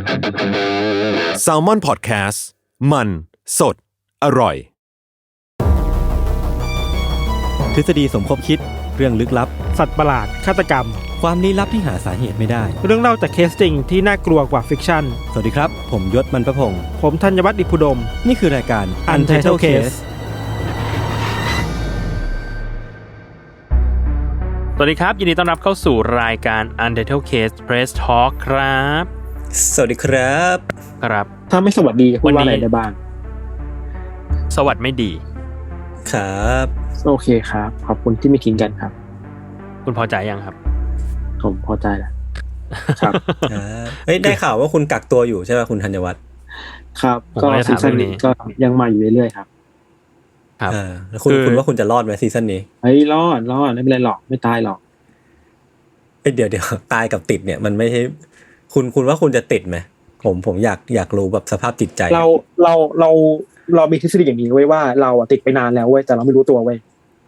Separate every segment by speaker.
Speaker 1: Salmon Podcast มันสดอร่อย
Speaker 2: ทฤษฎีสมคบคิดเรื่องลึกลับ
Speaker 3: สัตว์ประหลาดฆาตกรรม
Speaker 2: ความลี้ลับที่หาสาเหตุไม่ได้
Speaker 3: เรื่องเล่าจากเคสจริงที่น่ากลัวกว่าฟิกชั่น
Speaker 2: สวัสดีครับผมยศมันประพงษ์
Speaker 3: ผมธัญวัฒน์อิพุดม
Speaker 2: นี่คือรายการ
Speaker 3: Untitled Case
Speaker 4: สวัสดีครับยินดีต้อนรับเข้าสู่รายการ Untitled Case Press Talk ครับ
Speaker 2: สวัสดีครับ
Speaker 4: ครับ
Speaker 3: ถ้าไม่สวัสดีจะพูดว่าอะไรได้บ้าง
Speaker 4: สวัสดีไม่ดี
Speaker 2: ครับ
Speaker 3: โอเคครับขอบคุณที่ไม่ทิ้งกันครับ
Speaker 4: คุณพอใจยังครับ
Speaker 3: ผมพอใจแล้วครับ
Speaker 2: เฮ้ยได้ข่าวว่าคุณกักตัวอยู่ใช่ป่ะคุณธัญวัฒน์
Speaker 3: ครับก็ซีซั่นนี้ก็ยังมาอยู่เรื่อยๆครับ
Speaker 4: ครับ
Speaker 2: แล้วคุณว่าคุณจะรอดไหมซีซั่นนี้
Speaker 3: เฮ้ยรอดไม่เป็นไรหรอกไม่ตายหรอก
Speaker 2: เดี๋ยวตายกับติดเนี่ยมันไม่ใช่คุณว่าคุณจะติดไหมผมอยากรู้แบบสภาพจิตใจ
Speaker 3: เรามีทฤษฎีอย่างนี้ไว้ว่าเราติดไปนานแล้วเว้ยแต่เราไม่รู้ตัวเว้ย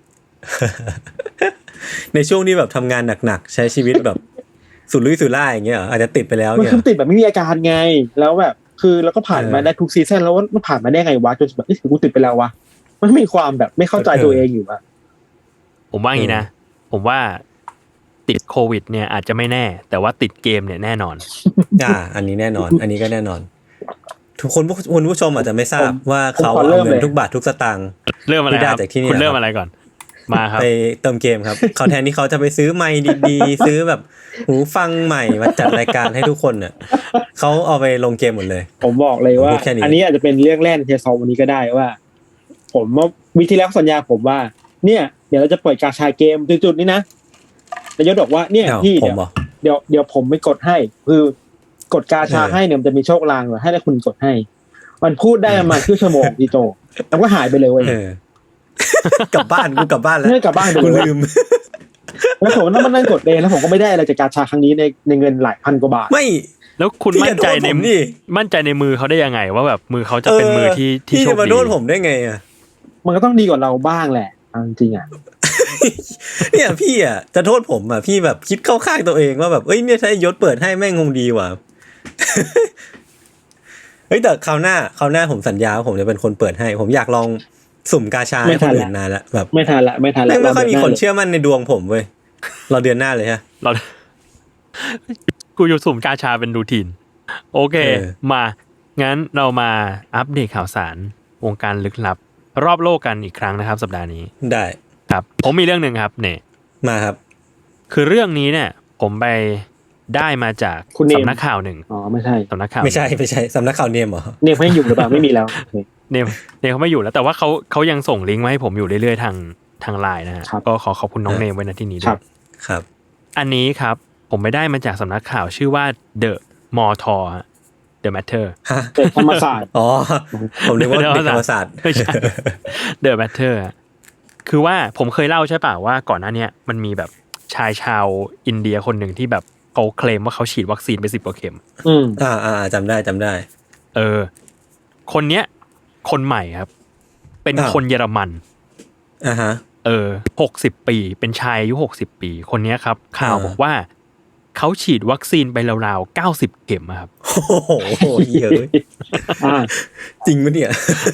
Speaker 2: ในช่วงที่แบบทำงานหนักๆใช้ชีวิตแบบสุรุ่ยสุร่ายอย่างเงี้ยอาจจะติดไปแล้ว
Speaker 3: เนี่ยมันติดแบบไม่มีอาการไงแล้วแบบคือเราก็ผ่านมาได้ทุกซีซั่นแล้วมันผ่านมาได้ไงวะจนแบบกูติดไปแล้ววะมันมีความแบบไม่เข้าใจตัวเองอยู่อะ
Speaker 4: ผมว่าอย่างนี้นะผมว่าติดโควิดเนี่ยอาจจะไม่แน่แต่ว่าติดเกมเนี่ยแน่นอน
Speaker 2: อันนี้แน่นอนอันนี้ก็แน่นอนทุกคนคุณผู้ชมอาจจะไม่ทราบว่าเขาเอาเงินทุกบาททุกสตางค์
Speaker 4: เริ่มอะไรครับคุณเริ่มอะไรก่อนมาครับ
Speaker 2: ไปเติมเกมครับเขาแทนที่เขาจะไปซื้อไมค์ดีๆซื้อแบบหูฟังใหม่มาจัดรายการให้ทุกคนเนี่ยเขาเอาไปลงเกมหมดเลย
Speaker 3: ผมบอกเลยว่าอันนี้อาจจะเป็นเรื่องแรกในเทสวันนี้ก็ได้ว่าผมว่าวิธีแล้วสัญญาผมว่าเนี่ยเดี๋ยวเราจะเปิดกาชาเกมจุดๆนี้นะนายกบอกว่าเนี่ยพี่เดี๋ยวผมไม่กดให้คือกดกาชาให้เนี่ยมันจะมีโชคลางให้ได้คุณกดให้มันพูดได้ประมาณครึ่งชั่วโมงพี่โจแล้วก็หายไปเลยเว้ย
Speaker 2: กลับบ้านกูกลับบ้านแล้ว
Speaker 3: กลับบ้านกูลืมแล้วผมนั่งกดเองแล้วผมก็ไม่ได้อะไรจากกาชาครั้งนี้ในเงินหลายพันกว่าบาท
Speaker 2: ไม่
Speaker 4: แล้วคุณมั่นใจในมือเขาได้ยังไงว่าแบบมือเขาจะเป็นมือที่โชคดี
Speaker 2: พี่จะมาโดนผมได้ไงอ่ะ
Speaker 3: มันก็ต้องดีกว่าเราบ้างแหละจริงๆอ่ะ
Speaker 2: เนี่ยพี่อ่ะจะโทษผมอ่ะพี่แบบคิดเข้าข้างตัวเองว่าแบบเอ้ยเนี่ยถ้ายศเปิดให้แม่งคงดีว่ะเฮ้ยแต่คราวหน้าผมสัญญาว่าผมจะเป็นคนเปิดให้ผมอยากลองสุ่มกาชาให้คนอื่นนานละแบบ
Speaker 3: ไม่ทันละไม่
Speaker 2: ค่อยมีคนเชื่อมั่นในดวงผมเว้ยเราเดือนหน้าเลยฮะ
Speaker 4: กูอยู่สุ่มกาชาเป็นรูทีนโอเคมางั้นเรามาอัปเดตข่าวสารวงการลึกลับรอบโลกกันอีกครั้งนะครับสัปดาห์นี้
Speaker 2: ได้
Speaker 4: ครับผมมีเรื่องนึงครับเนี่ย
Speaker 2: มาครับ
Speaker 4: คือเรื่องนี้เนี่ยผมไปได้มาจากสำนักข่าวหนึ่ง
Speaker 3: ไม่ใช่
Speaker 2: สำนักข่าวไม่ใช่สำนักข่าวเนมเหรอ
Speaker 3: เนมไม่อยู่หรือเปล่าไม่มีแล้ว
Speaker 4: เนมเขาไม่อยู่แล้วแต่ว่าเขายังส่งลิงก์มาให้ผมอยู่เรื่อยๆทาง LINE นะฮะก็ขอบคุณน้องเนมไว้ณที่นี้ด้วย
Speaker 2: ครับ
Speaker 4: อันนี้ครับผมไปได้มาจากสำนักข่าวชื่อว่า The Motor The Matter
Speaker 3: ธรรมศาสตร์
Speaker 2: ผมนึกว่าธรรมศาสตร์
Speaker 4: ไม่ใช่ The Matter คือว่าผมเคยเล่าใช่ป่ะว่าก่อนหน้านี้มันมีแบบชายชาวอินเดียคนหนึ่งที่แบบเขาเคลมว่าเขาฉีดวัคซีนไป10 กว่าเข็ม
Speaker 2: จำได้
Speaker 4: คนเนี้ยคนใหม่ครับเป็นคนเยอรมัน60 ปีเป็นชายอายุ60 ปีคนเนี้ยครับข่าวบอกว่าเขาฉีดวัคซีนไปราวๆ90 เข็มครับ
Speaker 2: โอ้โหเยอะจริงมั้ยเนี่ย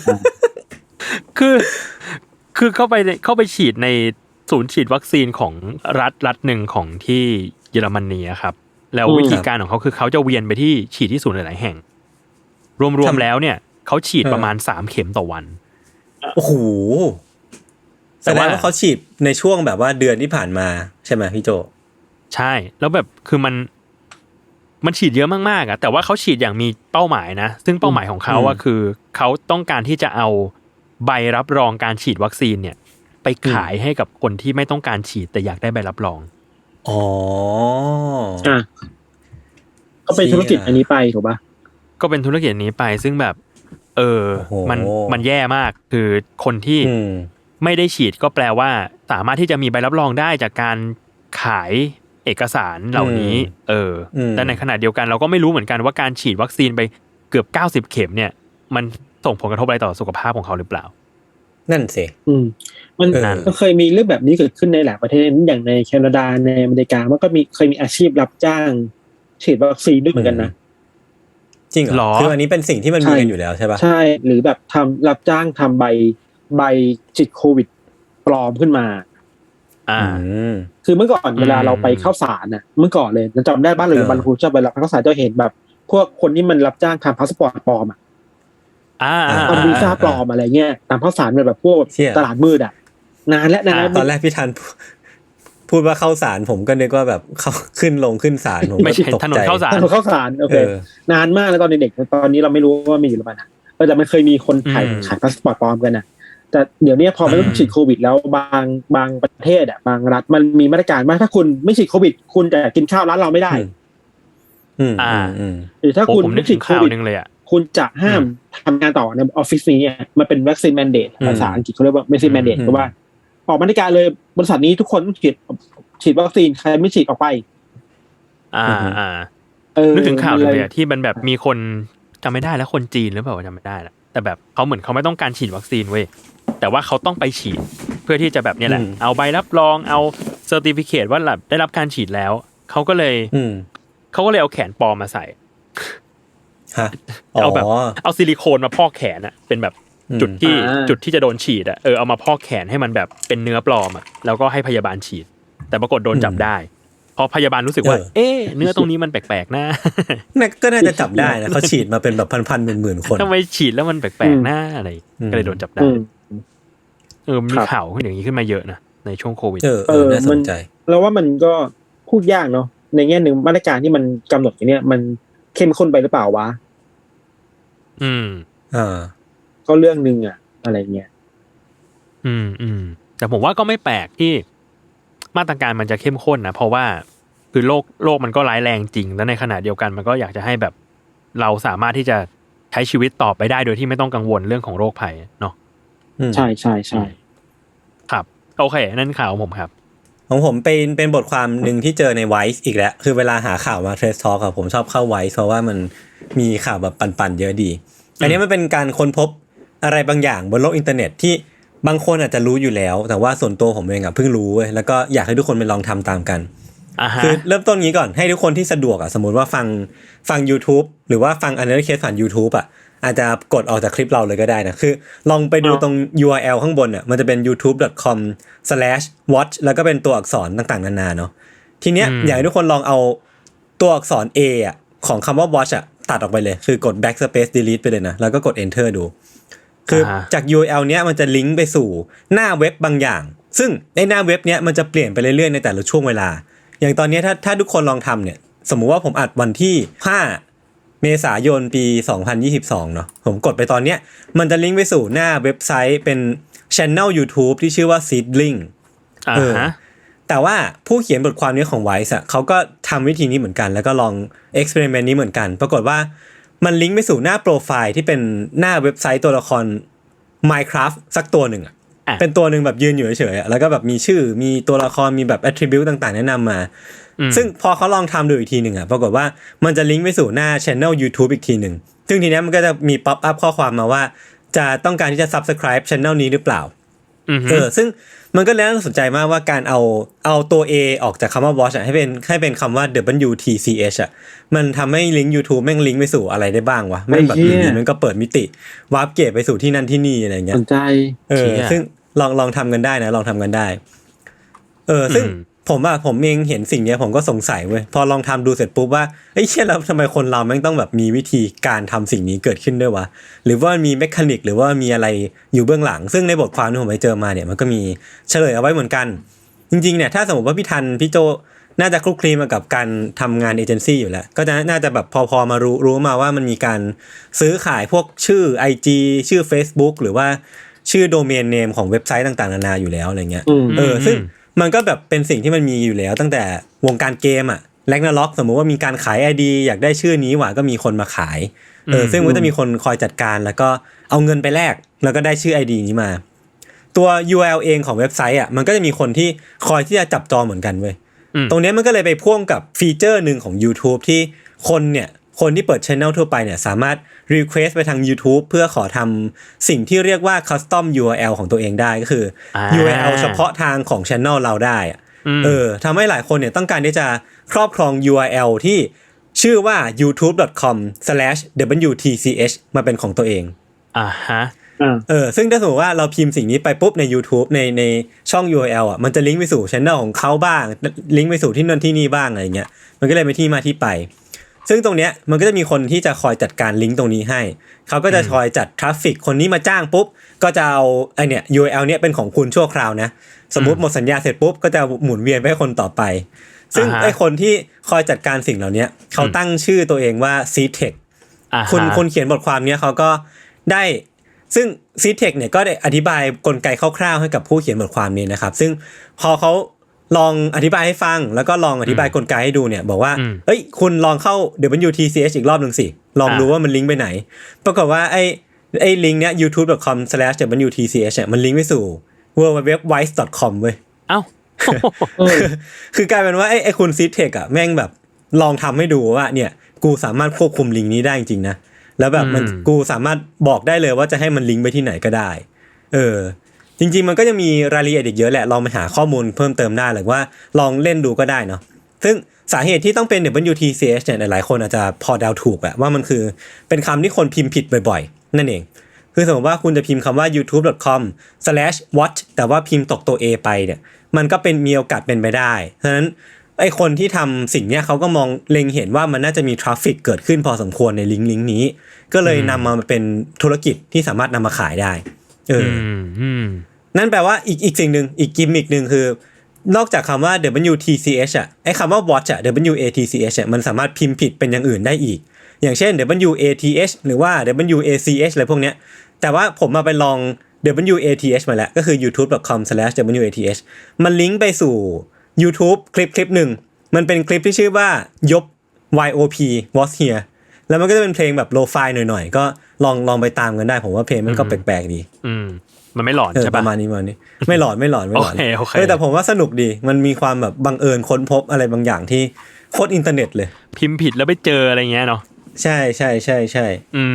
Speaker 4: คือเข้าไปฉีดในศูนย์ฉีดวัคซีนของรัฐหนึ่งของที่เยอรมนีครับแล้ววิธีการของเขาคือเขาจะเวียนไปที่ฉีดที่ศูนย์หลายๆแห่งรวมๆแล้วเนี่ยเขาฉีดประมาณ3 เข็มต่อวัน
Speaker 2: โอ้โหแต่ว่าเขาฉีดในช่วงแบบว่าเดือนที่ผ่านมาใช่ไหมพี่โจ
Speaker 4: ใช่แล้วแบบคือมันฉีดเยอะมากๆอ่ะแต่ว่าเขาฉีดอย่างมีเป้าหมายนะซึ่งเป้าหมายของเขาว่าคือเขาต้องการที่จะเอาใบรับรองการฉีดวัคซีนเนี่ยไปขายให้กับคนที่ไม่ต้องการฉีดแต่อยากได้ใบรับรอง
Speaker 3: ก็เป็นธุรกิจอันนี้ไปถูกป่ะ
Speaker 4: ก็เป็นธุรกิจนี้ไปซึ่งแบบมันแย่มากคือคนที่ไม่ได้ฉีดก็แปลว่าสามารถที่จะมีใบรับรองได้จากการขายเอกสารเหล่านี้แต่ในขณะเดียวกันเราก็ไม่รู้เหมือนกันว่าการฉีดวัคซีนไปเกือบ90 เข็มเนี่ยมันส่งผลกระทบอะไรต่อสุขภาพของเขาหรือเปล่า
Speaker 2: นั่นสิ
Speaker 3: มันเคยมีเรื่องแบบนี้เกิดขึ้นในหลายประเทศอย่างในแคนาดาในอเมริกามันก็เคยมีอาชีพรับจ้างฉีดวัคซีนด้วยเหมือนกันนะ
Speaker 2: จริงเหรอคืออันนี้เป็นสิ่งที่มันมีกันอยู่แล้วใช่ป่ะ
Speaker 3: ใช่หรือแบบทำรับจ้างทำใบฉีดโควิดปลอมขึ้นมาคือเมื่อก่อนเวลาเราไปเข้าศาลน่ะเมื่อก่อนเลยจำได้บ้านเลยบรรพุชอบไปรับเข้าศาลจะเห็นแบบพวกคนที่มันรับจ้างทำพาสปอร์ตปลอมทำวีซ่าปลอมอะไรเงี้ยตามข้าวสารแบบพวกตลาดมืดนานแล้ว
Speaker 2: ตอนแรกพี่ทันพูดว่าเข้าศาลผมก็นึกว่าแบบเขาขึ้นศาลผม
Speaker 4: ไม่ใช่ถนนเข้าศ
Speaker 3: าลโอเคนานมากแล้วตอนเด็กตอนนี้เราไม่รู้ว่ามีหรือเปล่านะแต่มันเคยมีคนขายพาสปอร์ตปลอมกันนะแต่เดี๋ยวนี้พอมันฉีดโควิดแล้วบางประเทศบางรัฐมันมีมาตรการว่าถ้าคุณไม่ฉีดโควิดคุณจะกินข้าวร้านเราไม่ได้หรือถ้าคุณไม่ฉีดโควิดคุณจะห้ามทำงานต่อในออฟฟิศนี้มันเป็นวัคซีนแมนเดตภาษาอังกฤษเขาเรียกว่าวัคซีนแมนเดตก็ว่าออกมาตรการเลยบริษัทนี้ทุกคนต้องฉีดวัคซีนใครไม่ฉีดออกไป
Speaker 4: นึกถึงข่าวเลยที่มันแบบมีคนจำไม่ได้แล้วคนจีนหรือเปล่าจำไม่ได้แล้วแต่แบบเขาเหมือนเขาไม่ต้องการฉีดวัคซีนเว้ยแต่ว่าเขาต้องไปฉีดเพื่อที่จะแบบนี้แหละเอาใบรับรองเอาเซอร์ติฟิเคตว่าได้รับการฉีดแล้วเขาก็เลยเอาแขนปลอมมาใส่เอาแบบเอาซิลิโคนมาพอกแขนเป็นแบบจุดที่จะโดนฉีดเอามาพอกแขนให้มันแบบเป็นเนื้อปลอมแล้วก็ให้พยาบาลฉีดแต่ปรากฏโดนจับได้พอพยาบาลรู้สึกว่าเนื้อตรงนี้มันแปลกๆนะ
Speaker 2: ก็น่าจะจับได้นะเขาฉีดมาเป็นแบบพันๆหมื่นๆคน
Speaker 4: ทำไมฉีดแล้วมันแปลกๆนะอะไรก็เลยโดนจับได้มีข่าวอย่างนี้ขึ้นมาเยอะนะในช่วงโควิด
Speaker 2: น่าสนใจ
Speaker 3: แล้วว่ามันก็พูดยากเนาะในแง่นึงมาตรการที่มันกำหนดอย่างเนี้ยมันเข้มข้นไปหรือเปล่าวะก็เรื่องนึงอะไรเงี้ย
Speaker 4: แต่ผมว่าก็ไม่แปลกที่มาตรการมันจะเข้มข้นนะเพราะว่าคือโลกมันก็ร้ายแรงจริงแล้วในขณะเดียวกันมันก็อยากจะให้แบบเราสามารถที่จะใช้ชีวิตต่อไปได้โดยที่ไม่ต้องกังวลเรื่องของโรคภัยเนาะ
Speaker 3: ใช่ใช่ใช่
Speaker 4: ครับโอเคนั่นข่าวของผมครับ
Speaker 2: ของผมเป็นบทความหนึ่งที่เจอใน Vice อีกแล้วคือเวลาหาข่าวมา Trace Talk ผมชอบเข้า Vice เพราะว่ามันมีข่าวแบบปั่นๆเยอะดีอันนี้มันเป็นการค้นพบอะไรบางอย่างบนโลกอินเทอร์เน็ตที่บางคนอาจจะรู้อยู่แล้วแต่ว่าส่วนตัวผมเองเพิ่งรู้เว้ยแล้วก็อยากให้ทุกคนไปลองทำตามกันคือเริ่มต้นงี้ก่อนให้ทุกคนที่สะดวกสมมุติว่าฟัง YouTube หรือว่าฟัง Another Case ผ่าน YouTube อาจจะกดออกจากคลิปเราเลยก็ได้นะคือลองไปดูตรง URL ข้างบนมันจะเป็น youtube.com/watch แล้วก็เป็นตัวอักษรต่างๆนานาเนาะทีเนี้ยอยากให้ทุกคนลองเอาตัวอักษร A ของคำว่า watch ตัดออกไปเลยคือกด backspace delete ไปเลยนะแล้วก็กด enter ดูคือจาก URL เนี้ยมันจะลิงก์ไปสู่หน้าเว็บบางอย่างซึ่งในหน้าเว็บเนี้ยมันจะเปลี่ยนไปเรื่อยๆในแต่ละช่วงเวลาอย่างตอนนี้ถ้าทุกคนลองทำเนี่ยสมมุติว่าผมอัดวันที่5เมษายนปี2022เนาะผมกดไปตอนเนี้ยมันจะลิงก์ไปสู่หน้าเว็บไซต์เป็น channel YouTube ที่ชื่อว่า Seedling แต่ว่าผู้เขียนบทความนี้ของ Vice เขาก็ทำวิธีนี้เหมือนกันแล้วก็ลอง experiment นี้เหมือนกันปรากฏว่ามันลิงก์ไปสู่หน้าโปรไฟล์ที่เป็นหน้าเว็บไซต์ตัวละคร Minecraft สักตัวหนึ่งเป็นตัวหนึ่งแบบยืนอยู่เฉยๆแล้วก็แบบมีชื่อมีตัวละครมีแบบ attribute ต่างๆแนะนำมาซึ่งพอเขาลองทำดูอีกทีหนึ่งปรากฏว่ามันจะลิงก์ไปสู่หน้า channel YouTube อีกทีหนึ่งซึ่งทีนี้มันก็จะมี pop up ข้อความมาว่าจะต้องการที่จะ subscribe channel นี้หรือเปล่าซึ่งมันก็แล้วน่าสนใจมากว่าการเอาตัว A ออกจากคำว่า watch ให้เป็นคำว่า WTCH มันทำให้ลิงก์ YouTube แม่งลิงก์ไปสู่อะไรได้บ้างวะแม่งแบบนี้มันก็เปิดมิติวาร์ปเกตไปสู่ที่นั่นที่นี่อะไรเงี้ย
Speaker 3: สนใจ
Speaker 2: ซึ่งลองทำกันได้นะลองทำกันได้ซึ่งผมเองเห็นสิ่งนี้ผมก็สงสัยเว้ยพอลองทำดูเสร็จปุ๊บว่าเฮ้ยเชี่ยแล้วทำไมคนเราแม่งต้องแบบมีวิธีการทำสิ่งนี้เกิดขึ้นด้วยวะหรือว่ามีเมคานิกหรือว่ามีอะไรอยู่เบื้องหลังซึ่งในบทความที่ผมไปเจอมาเนี่ยมันก็มีเฉลยเอาไว้เหมือนกันจริงๆเนี่ยถ้าสมมติว่าพี่โจน่าจะคลุกคลีมากับการทำงานเอเจนซี่อยู่แล้วก็จะน่าจะแบบพอมารู้มาว่ามันมีการซื้อขายพวกชื่อ IG ชื่อ Facebook หรือว่าชื่อโดเมนเนมของเว็บไซต์ต่างๆนานาอยู่แล้วอะไรเงี้ยซึ่งมันก็แบบเป็นสิ่งที่มันมีอยู่แล้วตั้งแต่วงการเกมRagnarok สมมุติว่ามีการขาย ID อยากได้ชื่อนี้หว่าก็มีคนมาขายซึ่งมันจะมีคนคอยจัดการแล้วก็เอาเงินไปแลกแล้วก็ได้ชื่อ ID นี้มาตัว URL เองของเว็บไซต์มันก็จะมีคนที่คอยที่จะจับจองเหมือนกันเว้ยตรงนี้มันก็เลยไปพ่วงกับฟีเจอร์นึงของ YouTube ที่คนที่เปิด channel ทั่วไปเนี่ยสามารถ request ไปทาง YouTube เพื่อขอทำสิ่งที่เรียกว่า custom URL ของตัวเองได้ก็คือ URL เฉพาะทางของ channel เราได้ทำให้หลายคนเนี่ยต้องการที่จะครอบครอง URL ที่ชื่อว่า youtube.com/wtch มาเป็นของตัวเอง
Speaker 4: ฮะ
Speaker 2: ซึ่งถ้าสมมติว่าเราพิมพ์สิ่งนี้ไปปุ๊บใน YouTube ในช่อง URL มันจะลิงก์ไปสู่ channel ของเขาบ้างลิงก์ไปสู่ที่นั่นที่นี่บ้างอะไรเงี้ยมันก็เลยเป็นที่มาที่ไปซึ่งตรงเนี้ยมันก็จะมีคนที่จะคอยจัดการลิงก์ตรงนี้ให้เขาก็จะคอยจัดทราฟฟิกคนนี้มาจ้างปุ๊บก็จะเอาไอเนี่ย URL เนี้ยเป็นของคุณชั่วคราวนะสมมุติหมดสัญญาเสร็จปุ๊บก็จะหมุนเวียนไปให้คนต่อไปซึ่งไอคนที่คอยจัดการสิ่งเหล่านี้เขาตั้งชื่อตัวเองว่า Seedtech คุณเขียนบทความเนี้ยเขาก็ได้ซึ่ง Seedtech เนี่ยก็ได้อธิบายกลไกคร่าวๆให้กับผู้เขียนบทความนี้นะครับซึ่งพอเขาลองอธิบายให้ฟังแล้วก็ลองอธิบายกลไกให้ดูเนี่ยบอกว่าเอ้ยคุณลองเข้า WTCH อีกรอบนึงสิลองดูว่ามันลิงก์ไปไหนปรากฏว่าไอ้ลิงก์เนี้ย youtube.com/wtch มันลิงก์ไปสู่ www.wise.com เว้ย
Speaker 4: เอ้า
Speaker 2: คือกลายเป็นว่าไอ้คุณ Seedtech อ่ะแม่งแบบลองทำให้ดูว่าเนี่ยกูสามารถควบคุมลิงก์นี้ได้จริงๆนะแล้วแบบมันกูสามารถบอกได้เลยว่าจะให้มันลิงก์ไปที่ไหนก็ได้จริงๆมันก็จะมีรายละเอียดอีกเยอะแหละลองไปหาข้อมูลเพิ่มเติมได้หรือว่าลองเล่นดูก็ได้เนาะซึ่งสาเหตุที่ต้องเป็น WTCH เนี่ยหลายคนอาจจะพอเดาถูกอะว่ามันคือเป็นคำที่คนพิมพ์ผิดบ่อยๆนั่นเองคือสมมติว่าคุณจะพิมพ์คำว่า youtube.com/watch แต่ว่าพิมพ์ตกตัว A ไปเนี่ยมันก็เป็นมีโอกาสเป็นไปได้ฉะนั้นไอ้คนที่ทำสิ่งเนี้ยเขาก็มองเล็งเห็นว่ามันน่าจะมีทราฟฟิกเกิดขึ้นพอสมควรในลิงก์นี้ก็เลยนำมาเป็นธุรกิจที่สามารถนำมาขายได้นั่นแปลว่าอีกสิ่งหนึ่งอีกกิมมิกหนึ่งคือนอกจากคำว่า WTCH อ่ะไอ้คำว่า watch อ่ะ WATCH มันสามารถพิมพ์ผิดเป็นอย่างอื่นได้อีกอย่างเช่น WATH หรือว่า WACH อะไรพวกเนี้ยแต่ว่าผมมาไปลอง WATH มาแล้วก็คือ youtube.com/WATH มันลิงก์ไปสู่ YouTube คลิปหนึ่งมันเป็นคลิปที่ชื่อว่ายบ YOP was here แล้วมันก็จะเป็นเพลงแบบโลไฟหน่อยๆก็ลองไปตามกันได้ผมว่าเพลงมันก็แปลกๆดี
Speaker 4: มันไม่หลอนใช่ป่ะ
Speaker 2: ประมาณนี้ไม่หลอน
Speaker 4: โอเค
Speaker 2: แต่ผมว่าสนุกดีมันมีความแบบบังเอิญค้นพบอะไรบางอย่างที่โคตรอินเทอร์เน็ตเลย
Speaker 4: พิมพ์ผิดแล้วไปเจออะไรเงี้ยเนาะ
Speaker 2: ใช่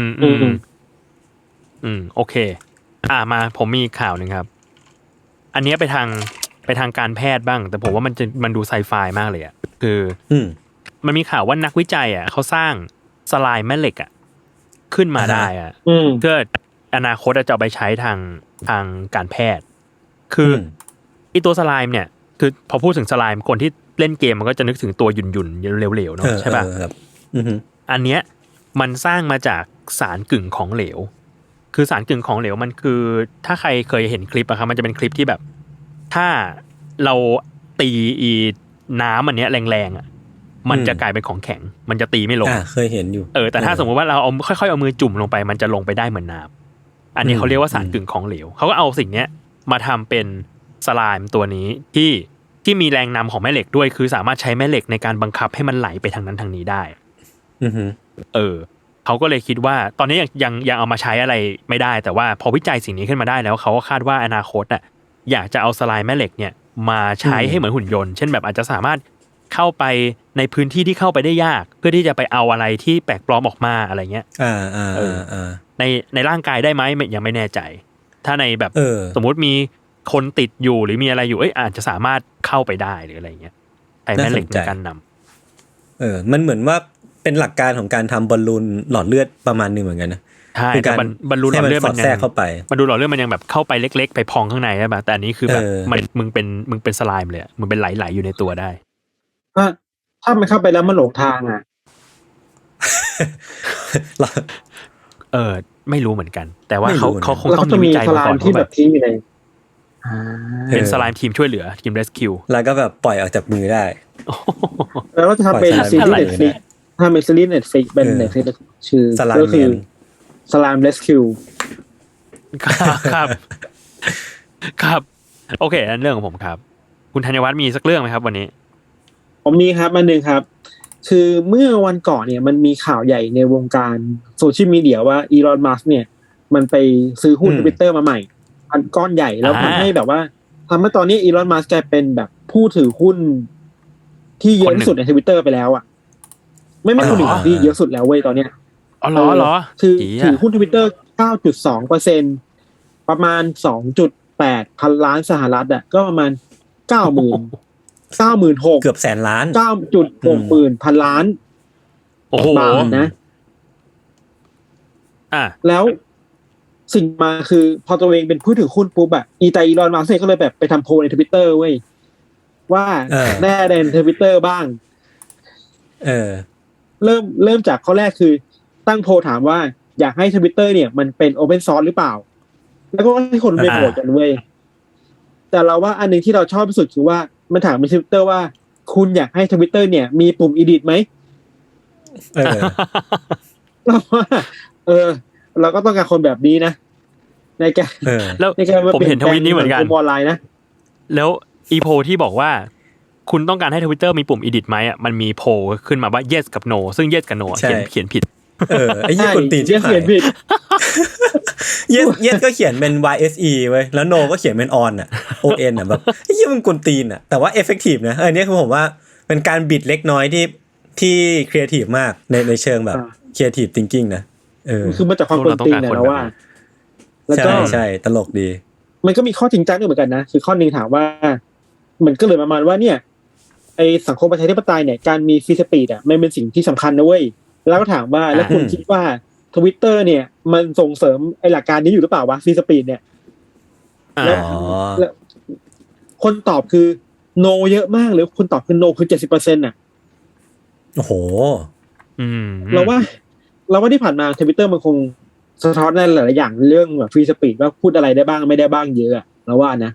Speaker 4: โอเคมาผมมีข่าวนึงครับอันนี้ไปทางการแพทย์บ้างแต่ผมว่ามันดูไซไฟมากเลยอ่ะคือมันมีข่าวว่านักวิจัยอ่ะเขาสร้างสไลม์แม่เหล็กอ่ะขึ้นมาได้อ่ะเพื่ออนาคตจะเอาไปใช้ทางการแพทย์คือไอตัวสไลม์เนี่ยคือพอพูดถึงสไลม์คนที่เล่นเกมมันก็จะนึกถึงตัวหยุ่นเหลวๆเนาะใช่ป่ะอันเนี้ยมันสร้างมาจากสารกึ่งของเหลวคือสารกึ่งของเหลวมันคือถ้าใครเคยเห็นคลิปอะครับมันจะเป็นคลิปที่แบบถ้าเราตีน้ำอันเนี้ยแรงๆอะมันจะกลายเป็นของแข็งมันจะตีไม่ลง
Speaker 2: เคยเห็นอยู่
Speaker 4: แต่ถ้าสมมติว่าเราเอาค่อยๆเอามือจุ่มลงไปมันจะลงไปได้เหมือนน้ำอันนี้เขาเรียกว่าสารกึ่งของเหลวเขาก็เอาสิ่งเนี้ยมาทำเป็นสไลม์ตัวนี้ที่มีแรงนำของแม่เหล็กด้วยคือสามารถใช้แม่เหล็กในการบังคับให้มันไหลไปทางนั้นทางนี้ได้เขาก็เลยคิดว่าตอนนี้ยังเอามาใช้อะไรไม่ได้แต่ว่าพอวิจัยสิ่งนี้ขึ้นมาได้แล้วเขาก็คาดว่าอนาคตอยากจะเอาสไลม์แม่เหล็กเนี่ยมาใช้ให้เหมือนหุ่นยนต์เช่นแบบอาจจะสามารถเข้าไปในพื้นที่ที่เข้าไปได้ยากเพื่อที่จะไปเอาอะไรที่แปลกปลอมออกมาอะไรเงี้ยในร่างกายได้ไหมยังไม่แน่ใจถ้าในแบบสมมุติมีคนติดอยู่หรือมีอะไรอยู่อาจจะสามารถเข้าไปได้หรืออะไรเงี้ยไอ้แม่เหล็กในการนำ
Speaker 2: มันเหมือนว่าเป็นหลักการของการทำบอลลูนหลอดเลือดประมาณนึงเหมือนกันนะ
Speaker 4: ใช่แต่บอลลูนหลอดเลือดมัน
Speaker 2: แทรกเข้าไป
Speaker 4: บอลลูนหลอดเลือดมันยังแบบเข้าไปเล็กๆไปพองข้างในใช่ป่ะแต่อันนี้คือแบบมึงเป็นสไลม์เลยมึงเป็นไหลๆอยู่ในตัวได้
Speaker 3: ถ้ามันเข้าไปแล้วมันหลงทาง
Speaker 4: ไม่รู้เหมือนกันแต่ว่าเขาคงต้อง
Speaker 3: มีวิจัยมาก่อนที่แบบทิ้งอยู่ใน
Speaker 4: เป็นสไลม์ทีมช่วยเหลือทีม rescue
Speaker 2: แล้วก็แบบปล่อยออกจากมือได้
Speaker 3: แล้วก็จะทำเป็นซีรีส์ Netflix ทำเป็นซีรีส์ Netflix เป็น Netflix ชื่อก็คือ Slime Rescue
Speaker 4: ครับโอเคนั่นเรื่องของผมครับคุณธัญวัฒน์มีสักเรื่องไหมครับวันนี้
Speaker 3: ผมมีครับอันนึงครับคือเมื่อวันก่อนเนี่ยมันมีข่าวใหญ่ในวงการโซเชียลมีเดียว่าอีลอนมัสก์เนี่ยมันไปซื้อหุ้น Twitter มาใหม่อันก้อนใหญ่แล้วทำให้แบบว่าทำให้ตอนนี้อีลอนมัสก์กลายเป็นแบบผู้ถือหุ้นที่เยอะที่สุดใน Twitter ไปแล้วอ่ะไม่คนหนึ่งที่เยอะสุดแล้วเว้ยตอนเนี้ย
Speaker 4: เหรอ
Speaker 3: คือถือหุ้น Twitter 9.2% ประมาณ 2.8 พันล้านสหรัฐอ่ะก็ประมาณ 96,000
Speaker 2: เกือบแสนล้าน
Speaker 3: 9.6 หมื่นพันล้าน
Speaker 4: โอ้โห
Speaker 3: บาทนะแล้วสิ่งมาคือพอตัวเองเป็นผู้ถือหุ้นปุ๊บอะอีลอนมัสก์ก็เลยแบบไปทำโพลใน Twitter เว้ยว่าแน่ใน Twitter บ้างเริ่มจากข้อแรกคือตั้งโพลถามว่าอยากให้ Twitter เนี่ยมันเป็น Open Source หรือเปล่าแล้วก็ให้คนไปโหวตกันเว้ยแต่เราว่าอันนึงที่เราชอบที่สุดคือว่ามันถามใน Twitter ว่าคุณอยากให้ Twitter เนี่ยมีปุ่ม edit มั้ยเราว่าเราก็ต้องการคนแบบนี้นะในการ
Speaker 4: แล้วผมเห็นทวิตนี้เหมือนกัน
Speaker 3: ออนไลน์นะ
Speaker 4: แล้วอีโพที่บอกว่าคุณต้องการให้ Twitter มีปุ่ม edit ไหมอ่ะมันมีโพขึ้นมาว่า yes กับ no ซึ่ง yes กับ no เขียนผิด
Speaker 2: ไอ้ยี่คนตีนที่เขียนผิด yes ก็เขียนเป็น YSE เว้ยแล้ว no ก็เขียนเป็น on อ่ะ on อ่ะแบบไอ้ยี่มันกวนตีนอ่ะแต่ว่า effective นะอันนี้คือผมว่าเป็นการบิดเล็กน้อยที่ creative มากในเชิงแบบ creative thinking นะ
Speaker 3: คือมาจากความกวนตีนนะว่า
Speaker 2: แล้วก็ใช่ตลกดี
Speaker 3: มันก็มีข้อจริงจังด้วยเหมือนกันนะคือข้อนึงถามว่ามันก็เลยประมาณว่าเนี่ยไอสังคมประชาธิปไตยเนี่ยการมีฟรีสปีดอ่ะมันเป็นสิ่งที่สำคัญนะเว้ยแล้วก็ถามว่าแล้วคุณคิดว่า Twitter เนี่ยมันส่งเสริมไอหลักการนี้อยู่หรือเปล่าวะฟรีสปีดเนี่ยแล้วคนตอบคือ no เยอะมากเลยคนตอบคือ no คือ 70% น่ะ
Speaker 2: โอ้โห
Speaker 3: เราว่าที่ผ่านมา Twitter มันคงสะท้อนในหลายๆอย่างเรื่องแบบฟรีสปีดว่าพูดอะไรได้บ้างไม่ได้บ้างเยอะเราว่านะ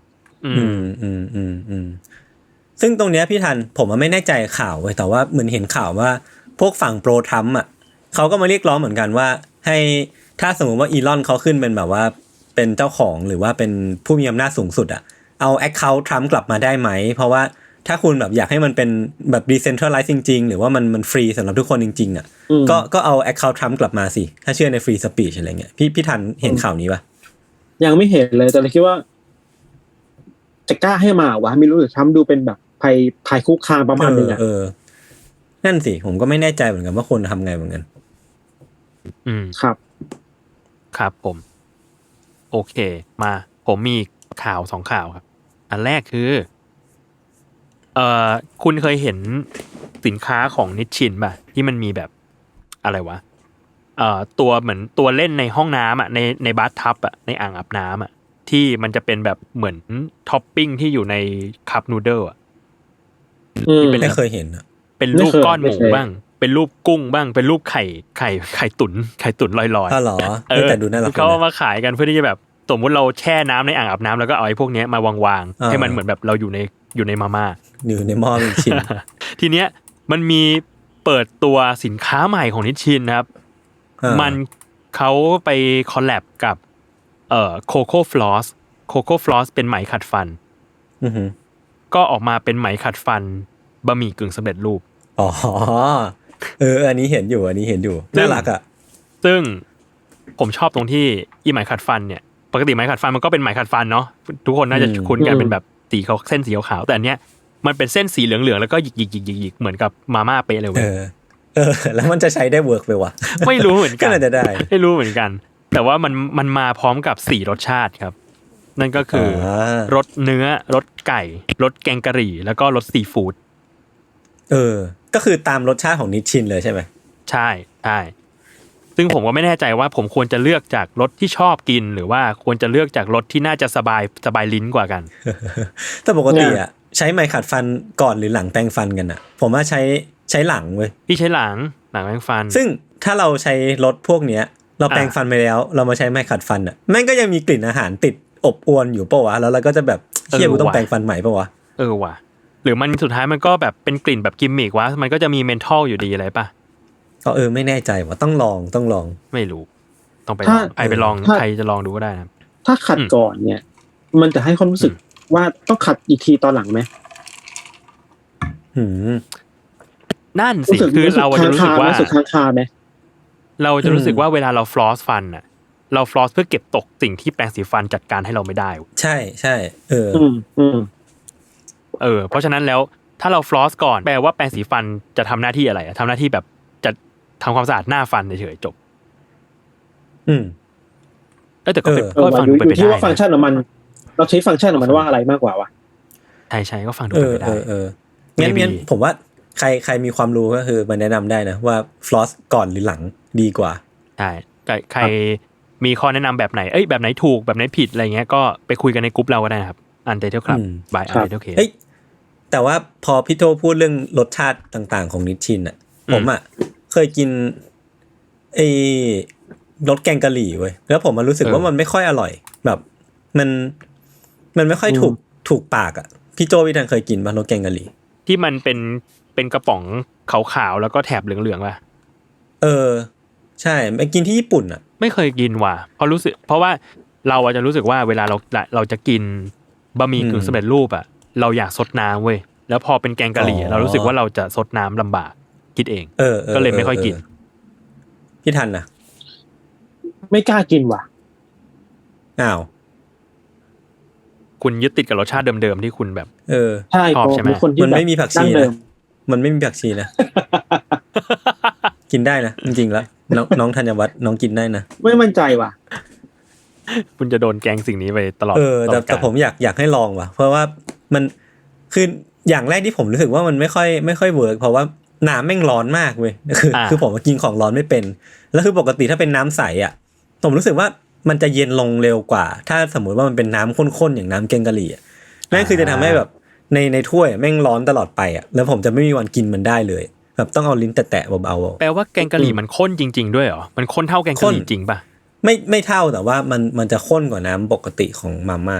Speaker 2: ซึ่งตรงเนี้ยพี่ทันผมไม่แน่ใจข่าวเว้ยแต่ว่าเหมือนเห็นข่าวว่าพวกฝั่งโปรทรัมป์อ่ะเขาก็มาเรียกร้องเหมือนกันว่าให้ถ้าสมมติว่าอีลอนเขาขึ้นเป็นแบบว่าเป็นเจ้าของหรือว่าเป็นผู้มีอำนาจสูงสุดอ่ะเอาแอคเคาท์ทรัมป์กลับมาได้ไหมเพราะว่าถ้าคุณแบบอยากให้มันเป็นแบบ decentralize จริงๆหรือว่ามันฟรีสำหรับทุกคนจริงๆอ่ะก็เอา account Trump กลับมาสิถ้าเชื่อใน free speech อะไรเงี้ยพี่ทันเห็นข่าวนี้ป่ะ
Speaker 3: ยังไม่เห็นเลยแต่เราคิดว่าจะกล้าให้มาวะไม่รู้หรือTrumpดูเป็นแบบภัยคุกคามประมาณนึงอ่ะ
Speaker 2: นั่นสิผมก็ไม่แน่ใจเหมือนกันว่าคนทำไงเหมือนกัน
Speaker 3: ครับ
Speaker 4: ผมโอเคมาผมมีข่าว2ข่าวครับอันแรกคือคุณเคยเห็นสินค้าของนิชชินป่ะที่มันมีแบบอะไรวะตัวเหมือนตัวเล่นในห้องน้ำอ่ะในบาธทับอ่ะในอ่างอาบน้ำอ่ะที่มันจะเป็นแบบเหมือนท็อปปิ้งที่อยู่ในคัพนูเดิลอ่ะ
Speaker 2: ไม่เคยเห็นอ่ะ
Speaker 4: เป็นรูปก้อนหมูบ้างเป็นรูปกุ้งบ้างเป็นรูปไข่ตุ๋นลอยๆ
Speaker 2: อ๋อเหรอแต่ดูน่ารัก
Speaker 4: เขามาขายกันเพื่อที่จะแบบสมมติเราแช่น้ำในอ่างอาบน้ำแล้วก็เอาไอ้พวกนี้มาวางๆให้มันเหมือนแบบเราอยู่ในมาม่า
Speaker 2: อยู่ในหม้อนิชชิน
Speaker 4: ทีเนี้ยมันมีเปิดตัวสินค้าใหม่ของนิชชินนะครับมันเขาไปคอลแลบกับโคโค่ฟลอสเป็นไหมขัดฟันก็ออกมาเป็นไหมขัดฟันบะหมี่กึ่งสำเร็จรูป
Speaker 2: อ๋ออันนี้เห็นอยู่น่ารักอ่ะ
Speaker 4: ซึ่งผมชอบตรงที่อีไหมขัดฟันเนี่ยปกติไหมขัดฟันมันก็เป็นไหมขัดฟันเนาะทุกคนน่าจะคุ้นกันเป็นแบบสีเขาเส้นสีขาวแต่อันเนี้ยมันเป็นเส้นสีเหลืองๆแล้วก็หยิกๆๆๆเหมือนกับมาม่าเป๊ะเลยเว้ย
Speaker 2: แล้วมันจะใช้ได้เวิร์กไปวะ
Speaker 4: ไม่รู้เหมือนกัน
Speaker 2: ก็น่าจะได้
Speaker 4: ไม่รู้เหมือนกันแต่ว่ามันมาพร้อมกับ4รสชาติครับนั่นก็คือรสเนื้อรสไก่รสแกงกะหรี่แล้วก็รสซีฟู้ด
Speaker 2: ก็คือตามรสชาติของนิชชินเลยใช่ไหม
Speaker 4: ใช่ซึ่งผมก็ไม่แน่ใจว่าผมควรจะเลือกจากรสที่ชอบกินหรือว่าควรจะเลือกจากรสที่น่าจะสบายลิ้นกว่ากัน
Speaker 2: แต่ปกติอ่ะใช้ไม้ขัดฟันก่อนหรือหลังแปรงฟันกันอ่ะผมว่าใช้หลังเว้ย
Speaker 4: พี่ใช้หลังแปรงฟัน
Speaker 2: ซึ่งถ้าเราใช้รสพวกเนี้ยเราแปรงฟันไปแล้วเรามาใช้ไม้ขัดฟันอ่ะแม่งก็ยังมีกลิ่นอาหารติดอบอวนอยู่ป่ะวะแล้วเราก็จะแบบเหี้ยกูต้องแปรงฟันใหม่ป่ะวะ
Speaker 4: ว่ะหรือมันสุดท้ายมันก็แบบเป็นกลิ่นแบบกิมมิกวะมันก็จะมีเมนทอลอยู่ดีอะไรป่ะ
Speaker 2: ก็ไม่แน่ใจว่าต้องลอง
Speaker 4: ไม่รู้ต้องไปลองใครไปลองใครจะลองดูก็ได้นะ
Speaker 3: ถ้าขัดก่อนเนี่ยมันจะให้ความรู้สึกว่าต้องขัดอีกทีตอนหลังไหม
Speaker 4: นั่นสิคือเราจะรู้สึกว่า
Speaker 3: ค้างคาไหม
Speaker 4: เราจะรู้สึกว่าเวลาเราฟลอสฟันอ่ะเราฟลอสเพื่อเก็บตกสิ่งที่แปรงสีฟันจัดการให้เราไม่ได้
Speaker 2: ใช่
Speaker 4: เพราะฉะนั้นแล้วถ้าเราฟลอสก่อนแปลว่าแปรงสีฟันจะทำหน้าที่อะไรทำหน้าที่แบบจะทำความสะอาดหน้าฟันเฉยๆจบแต่ก็เป็นฟังดูเป็นไปได้
Speaker 3: ที่ว่าฟังก์ชันของมันเราใช้ฟังก์ชันของมันว่าอะไรมากกว่าวะ
Speaker 4: ใช่ก็ฟังดูเป็นไปได้
Speaker 2: งั้นผมว่าใครมีความรู้ก็คือมาแนะนำได้นะว่าฟลอสก่อนหรือหลังดีกว่า
Speaker 4: ใช่ใครมีข้อแนะนำแบบไหนแบบไหนถูกแบบไหนผิดอะไรเงี้ยก็ไปคุยกันในกลุ่มเราก็ได้นะครับUntitled Club by Untitled Case
Speaker 2: แต่ว่าพอพี่โตพูดเรื่องรสชาติต่างๆของนิชชินอ่ะผมอ่ะเคยกินไอ้รสแกงกะหรี่เว้ยแล้วผมมันรู้สึกว่ามันไม่ค่อยอร่อยแบบมันไม่ค่อยถูกปากอ่ะพี่โจพี่ทันเคยกินป่ะรสแกงกะหรี่
Speaker 4: ที่มันเป็นกระป๋องขาวๆแล้วก็แถบเหลืองๆป่ะ
Speaker 2: ใช่ไปกินที่ญี่ปุ่นอ่ะ
Speaker 4: ไม่เคยกินว่ะเพราะว่าเราจะรู้สึกว่าเวลาเราจะกินบะหมี่กึ่งสำเร็จรูปอ่ะเราอยากซดน้ำเว้ยแล้วพอเป็นแกงกะหรี่เรารู้สึกว่าเราจะซดน้ำลำบากคิดเองก็เลยไม่ค่อยกิน
Speaker 2: พี่ทันนะ
Speaker 3: ไม่กล้ากินว่ะ
Speaker 2: อ้าว
Speaker 4: คุณยึดติดกับรสชาติเดิมๆที่คุณแบบ
Speaker 3: ใช่
Speaker 4: ชอบใช่ไหม
Speaker 2: มันไม่มีผักชีนะมันไม่มีผักชีนะกินได้นะจริงๆแล้วน้องธัญวัฒน์น้องกินได้นะ
Speaker 3: ไม่มั่นใจว่ะ
Speaker 4: คุณจะโดนแกงสิ่งนี้ไปตลอด
Speaker 2: แต่ผมอยากให้ลองว่ะเพราะว่ามันคืออย่างแรกที่ผมรู้สึกว่ามันไม่ค่อยเวิร์กเพราะว่าน้ำแม่งร้อนมากเว้ยคือผมกินของร้อนไม่เป็นแล้วคือปกติถ้าเป็นน้ำใสอ่ะผมรู้สึกว่ามันจะเย็นลงเร็วกว่าถ้าสมมุติว่ามันเป็นน้ำข้นๆอย่างน้ำแกงกะหรี่อ่ะนั่นคือจะทำให้แบบในถ้วยแม่งร้อนตลอดไปอ่ะแล้วผมจะไม่มีวันกินมันได้เลยแบบต้องเอาลิ้นแตะๆเบา
Speaker 4: ๆแปลว่าแกงกะหรี่มันข้นจริงๆด้วยเหรอมันข้นเท่าแกงกะหรี่จริงป่ะ
Speaker 2: ไม่เท่าแต่ว่ามันจะข้นกว่าน้ำปกติของมาม่า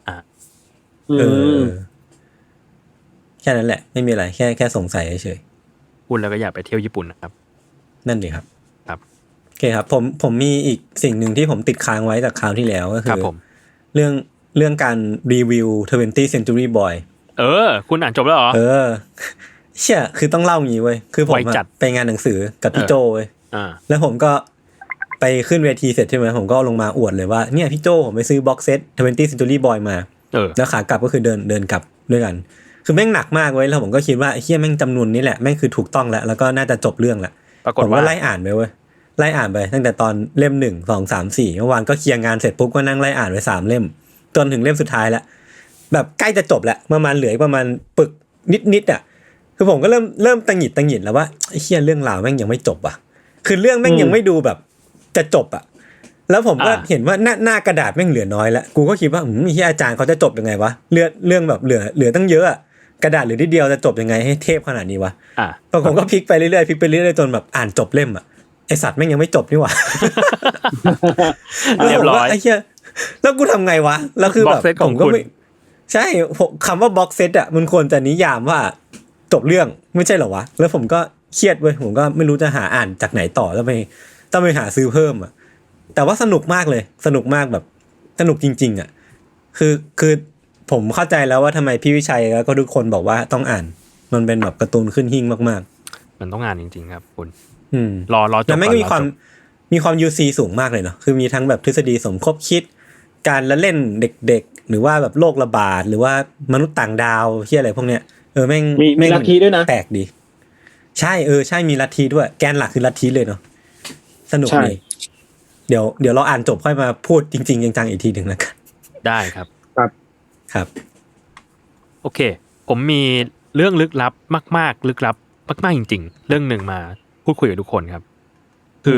Speaker 2: แค่นั้นแหละไม่มีอะไรแค่สงสัยเฉย
Speaker 4: ๆพูดแล้วก็อยากไปเที่ยวญี่ปุ่นนะครับ
Speaker 2: นั่นดีครับโอเคครับผมมีอีกสิ่งหนึ่งที่ผมติดค้างไว้จากคราวที่แล้วก็คือเรื่องการรีวิว 20th Century Boy
Speaker 4: คุณอ่านจบแล้วเหรอ
Speaker 2: เชี่ยคือต้องเล่างี้เว้ยคือผมไปงานหนังสือกับพี่โจเว้ยแล้วผมก็ไปขึ้นเวทีเสร็จใช่ไหมผมก็ลงมาอวดเลยว่าเนี่ยพี่โจผมไปซื้อบ็อกเซต 20th Century Boy มาแล้วขากลับก็คือเดินกลับด้วยกันคือแม่งหนักมากเว้ยแล้วผมก็คิดว่าไอ้เหี้ยแม่งจำนวนนี้แหละแม่งคือถูกต้องแล้วก็น่าจะจบเรื่องแหละผมก็ไล่อ่านไปเว้ยไล่อ่านไปตั้งแต่ตอนเล่ม1 2 3 4เมื่อวานก็เคลียร์งานเสร็จปุ๊บก็นั่งไล่อ่านไป3เล่มจนถึงเล่มสุดท้ายแล้วแบบใกล้จะจบแล้วประมาณเหลือประมาณปึกนิดอ่ะคือผมก็เริ่มตังหงิดแล้วว่าไอ้เหี้ยเรื่องราวแม่งยังไม่จบอ่ะคือเรื่องแม่งยังไม่ดูแบบจะจบอ่ะแล้วผมก็เห็นว่าหน้ากระดาษแม่งเหลือน้อยแล้วกูก็คิดว่าที่อาจารย์เขาจะจบยังไงวะเรื่องแบบเหลือตั้งเยอะอ่ะกระดาษเหลือนิดเดียวจะจบยังไงให้เทพขนาดนี้วะผมก็พลิกไปเรื่อยๆจนแบบอ่านจบเล่มอ่ะไอสัตว์แม่งยังไม่จบนี่หว่า
Speaker 4: เรียบร้อย
Speaker 2: ไอ้เหี้ยแล้วกูทำไงวะแล้วคือแบบผมก็ไม่ใช่คำว่าบ็อกเซตอ่ะมันควรจะนิยามว่าจบเรื่องไม่ใช่เหรอวะแล้วผมก็เครียดเว้ยผมก็ไม่รู้จะหาอ่านจากไหนต่อต้องไปหาซื้อเพิ่มอ่ะแต่ว่าสนุกมากเลยสนุกมากแบบสนุกจริงๆอ่ะคือผมเข้าใจแล้วว่าทำไมพี่วิชัยแล้วก็ทุกคนบอกว่าต้องอ่านมันเป็นแบบการ์ตูนขึ้นหิ้งมาก
Speaker 4: ๆมันต้องอ่านจริงๆครับคุณ
Speaker 2: ร
Speaker 4: อจบ
Speaker 2: แล้วไม่มีความ UC สูงมากเลยเนาะคือมีทั้งแบบทฤษฎีสมคบคิดการละเล่นเด็กๆหรือว่าแบบโรคระบาดหรือว่ามนุษย์ต่างดาวที่อะไรพวกเนี้ยแม่ง
Speaker 3: มีลัทธิด้วยนะ
Speaker 2: แปลกดีใช่ใช่มีลัทธิด้วยแกนหลักคือลัทธิเลยเนาะสนุกดีเดี๋ยวเราอ่านจบค่อยมาพูดจริงๆจังๆอีกทีนึงแล้วกัน
Speaker 4: ได้ครับ
Speaker 2: ครับ
Speaker 4: โอเคผมมีเรื่องลึกลับมากๆลึกลับมากๆจริงๆเรื่องนึงมาพูดคุยกับทุกคนครับคือ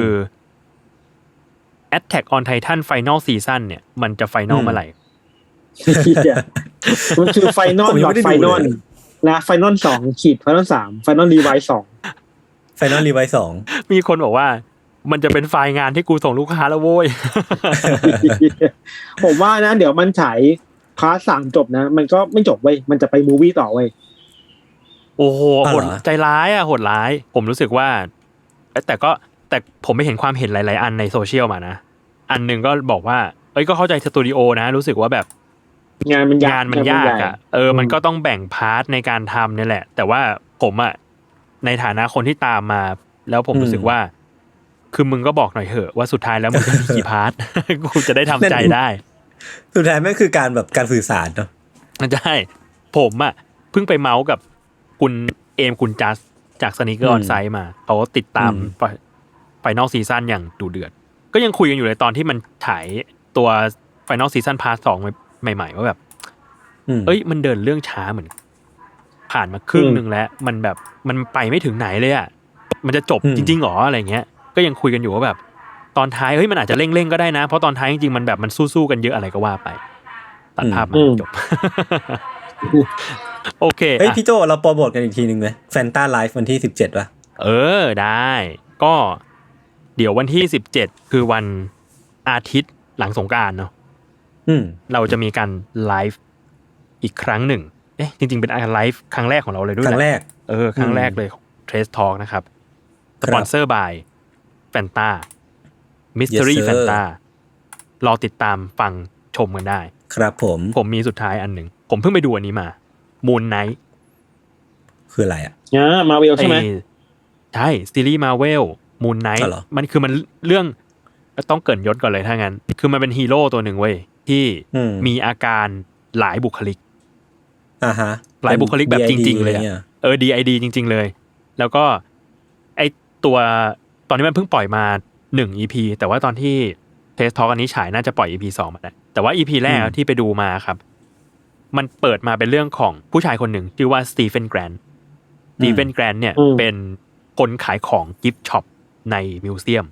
Speaker 4: Attack on Titan Final Season เนี่ยมันจะ Final เมื่อไหร่
Speaker 3: มันคือ Final หลอด Final นะ Final 2 ขีด Final 3 Final Revise 2
Speaker 2: Final Revise 2
Speaker 4: มีคนบอกว่ามันจะเป็นไฟล์งานที่กูส่งลูกค้าแล้วโว้ย
Speaker 3: ผมว่านะเดี๋ยวมันฉายพาร์ท3จบนะมันก็ไม่จบเว้ยมันจะไปมูฟวี่ต่อเว้ย
Speaker 4: โอ้โหโหดใจร้ายโหดร้ายผมรู้สึกว่าแต่ผมไม่เห็นความเห็นหลายๆอันในโซเชียลมานะอันนึงก็บอกว่าก็เข้าใจสตูดิโอนะรู้สึกว่าแบบ
Speaker 3: งานมันย
Speaker 4: ากอ่ะมันก็ต้องแบ่งพาร์ทในการทำนี่แหละแต่ว่าผมอ่ะในฐานะคนที่ตามมาแล้วผมรู้สึกว่าคือมึงก็บอกหน่อยเถอะว่าสุดท้ายแล้วมึงจะมีกี่พาร์ทกูจะได้ทำใจได้
Speaker 2: สุดท้ายแม่งคือการแบบการสื่อสารเนาะ
Speaker 4: ใช่ผมอ่ะเพิ่งไปเมาส์กับคุณเอมคุณจัสจากสนิเกอร์ออนไซต์มาเขาติดตามFinal Season อย่างดูเดือดก็ยังคุยกันอยู่เลยตอนที่มันถ่ายตัว Final Season Part 2ใหม่ๆว่าแบบมันเดินเรื่องช้าเหมือนผ่านมาครึ่งนึงแล้วมันแบบมันไปไม่ถึงไหนเลยอ่ะมันจะจบจริงๆหรออะไรเงี้ยก็ยังคุยกันอยู่ว่าแบบตอนท้ายเฮ้ยมันอาจจะเร่งๆก็ได้นะเพราะตอนท้ายจริงๆมันแบบมันสู้ๆกันเยอะอะไรก็ว่าไปตัดภาพมาจบโอเค
Speaker 2: เฮ้ยพี่โจเราโปรโมทกันอีกทีนึงมั้ย Fanta Live วันที่17ป่ะ
Speaker 4: ได้ก็เดี๋ยววันที่17คือวันอาทิตย์หลังสงกรานต์เนาะเราจะมีการไลฟ์อีกครั้งหนึ่งจริงๆเป็นไลฟ์ครั้งแรกของเราเลยด้วย
Speaker 2: ครั้งแรก
Speaker 4: ครั้งแรกเลย Trace Talk นะครับสปอนเซอร์ by Fanta Mystery Fanta รอติดตามฟังชมกันได้
Speaker 2: ครับผม
Speaker 4: มีสุดท้ายอันหนึ่งผมเพิ่งไปดูอันนี้มา Moon Knight
Speaker 2: คืออะไรอ่ะ
Speaker 3: Marvel ใช่ไหม
Speaker 4: ใช่ซีรีส์ Marvel Moon Knight มันคือมันเรื่องต้องเกริ่นยศก่อนเลยถ้างั้นคือมันเป็นฮีโร่ตัวหนึ่งเว้ยที่มีอาการหลายบุคลิกหลายบุคลิกแบบจริงๆเลยDID จริงๆเลยแล้วก็ไอตัวตอนนี้มันเพิ่งปล่อยมา1 EP แต่ว่าตอนที่เทสทอล์กอันนี้ฉายน่าจะปล่อย EP 2มาแล้วแต่ว่า EP แรกที่ไปดูมาครับมันเปิดมาเป็นเรื่องของผู้ชายคนหนึ่งชื่อว่าสตีเฟนแกรนเนี่ยเป็นคนขายของกิฟต์ช็อปในมิวเซียม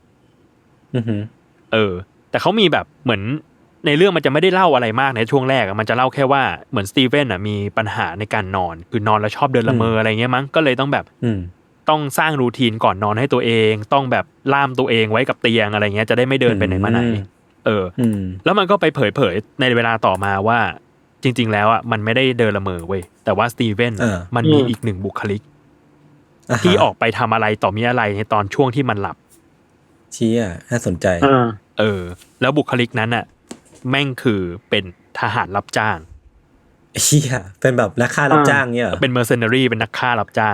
Speaker 4: แต่เขามีแบบเหมือนในเรื่องมันจะไม่ได้เล่าอะไรมากในช่วงแรกมันจะเล่าแค่ว่าเหมือนสตีเฟนมีปัญหาในการนอนคือนอนแล้วชอบเดินละเมออะไรเงี้ยมั้งก็เลยต้องแบบต้องสร้างรูทีนก่อนนอนให้ตัวเองต้องแบบล่ามตัวเองไว้กับเตียงอะไรเงี้ยจะได้ไม่เดินไปไหนมาไหนแล้วมันก็ไปเผยในเวลาต่อมาว่าจริงๆแล้วอ่ะมันไม่ได้เดินละเมอเว้ยแต่ว่าสตีเฟนมันมีอีกหนึ่งบุคลิกที่ออกไปทำอะไรต่อมีอะไรในตอนช่วงที่มันหลับ
Speaker 2: เชี่ยน่าสนใจ
Speaker 4: แล้วบุคลิกนั้นอ่ะแม่งคือเป็นทหารรับจ้าง
Speaker 2: เชี่ยเป็นแบบนักฆ่ารับจ้างเนี่ย
Speaker 4: เป็นเมอร์เซนารีเป็นนักฆ่ารับจ้าง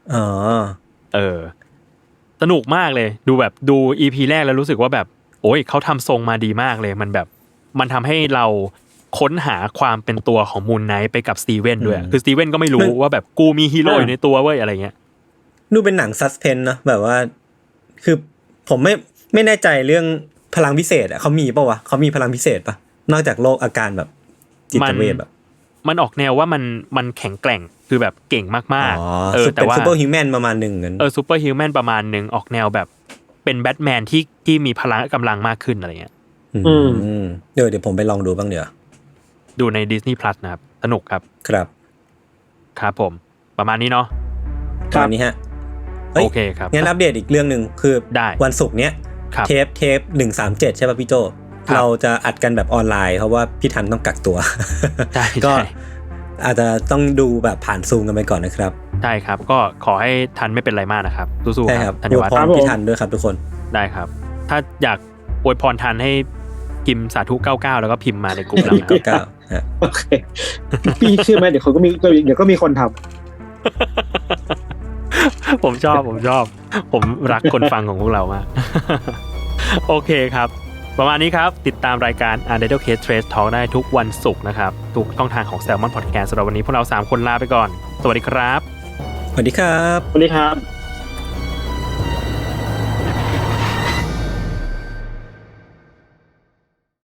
Speaker 4: สนุกมากเลยดูแบบดู EP แรกแล้วรู้สึกว่าแบบโอ้ยเขาทำทรงมาดีมากเลยมันแบบมันทำให้เราค้นหาความเป็นตัวของมูนไนท์ไปกับสตีเวนด้วยคือสตีเวนก็ไม่รู้ว่าแบบกูมีฮีโร่อยู่ในตัวเว้ยอะไรเงี้ย
Speaker 2: ดูเป็นหนังซัสเพนเนาะแบบว่าคือผมไม่แน่ใจเรื่องพลังพิเศษอ่ะเขามีป่ะวะเขามีพลังพิเศษป่ะนอกจากโรคอาการแบบจิตเวชแบบ
Speaker 4: มันออกแนวว่ามันแข็งแกร่งคือแบบเก่งมาก
Speaker 2: ๆแต่ว่าซูเปอร์ฮิวแมนประมาณนึง
Speaker 4: ซูเปอร์ฮิวแมนประมาณนึงออกแนวแบบเป็นแบทแมนที่มีพลังกำลังมากขึ้นอะไรเงี้ย
Speaker 2: เดี๋ยวผมไปลองดูบ้างเดี๋ยว
Speaker 4: ดูใน Disney Plus นะครับสนุกครับครับผมประมาณนี้เนาะ
Speaker 2: ตอนนี้ฮะ
Speaker 4: โอเคครับ
Speaker 2: งั้นอัปเดตอีกเรื่องนึงคือวันศุกร์เนี้ยเทป137ใช่ป่ะพี่โจเราจะอัดกันแบบออนไลน์เพราะว่าพี่ทันต้องกักตัวก็อาจจะต้องดูแบบผ่านซูมกันไปก่อนนะครับ
Speaker 4: ใช่ครับก็ขอให้ทันไม่เป็นไรมากนะครับสู้ๆครับ
Speaker 2: ธัญวัฒน์พี่ทันด้วยครับทุกคน
Speaker 4: ได้ครับถ้าอยากอวยพรทันให้พิมพ์สาธุ99แล้วก็พิมพ์มาในกลุ่มเรา
Speaker 2: 99ฮะ
Speaker 3: โอเคพี่เชื่อมั้ยเดี๋ยวก็มีคนทำ
Speaker 4: ผมชอบผมรักคนฟังของพวกเรามากโอเคครับประมาณนี้ครับติดตามรายการ Untitled Case Trace Talk ได้ทุกวันศุกร์นะครับทุกช่องทางของ Salmon Podcast สำหรับวันนี้พวกเรา3คนลาไปก่อนสวัสดีครับ
Speaker 2: สวัสดีครับ
Speaker 3: สวัสดีครับ